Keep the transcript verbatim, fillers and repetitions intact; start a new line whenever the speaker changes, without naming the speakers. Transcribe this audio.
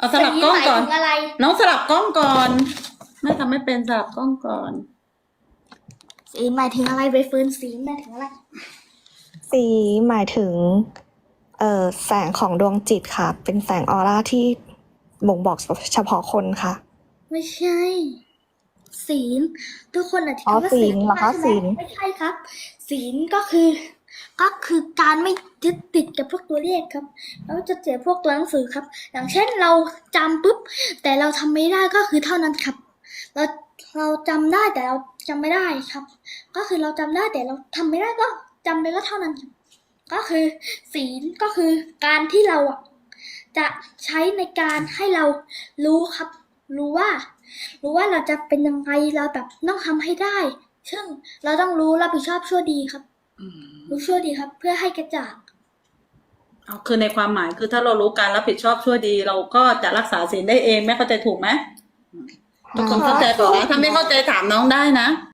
เอาสลับกล้องก่อน
สีหมายถึงอะไร
น้องสลับกล้องก่อนแม่ทำไม่เป็นสลับกล้องก่อน
สีหมายถึงอะไรใบเฟิร์นสีหมายถึงอะไร
สีหมายถึงเอ่อแสงของดวงจิตค่ะ เป็นแสงออร่าที่บ่งบอกเฉพาะคนค่ะ
ไม่ใช่ ศีลทุกคนอาจจะ
อ๋อ
คิดว่า
ศีลเหรอคะ
ใช่ไหม
ศีล
ไม่ใช่ครับ ศีลก็คือ ก็คือการไม่ยึดติดกับพวกตัวเลขครับแล้วจะเสียพวกตัวหนังสือครับ อย่างเช่นเราจำปุ๊บแต่เราทำไม่ได้ก็คือเท่านั้นครับ เราเราจำได้แต่เราจำไม่ได้ครับ ก็คือเราจำได้แต่เราทำไม่ได้ก็จำไปก็เท่านั้นครับก็คือศีลก็คือการที่เราอ่ะจะใช้ในการให้เรารู้ครับ รู้ว่า รู้ว่าเราจะเป็นยังไงเราแบบต้องทำให้ได้ ซึ่งเราต้องรู้รับผิดชอบชั่วดีครับ รู้ชั่วดีครับ เพื่อให้กระจ่าง
เอาคือในความหมายคือถ้าเรารู้การรับผิดชอบชั่วดี เราก็จะรักษาศีลได้เองแม่เข้าใจถูกไหมทุกคนเข้าใจถูกนะถ้าไม่เข้าใจถามน้องได้นะ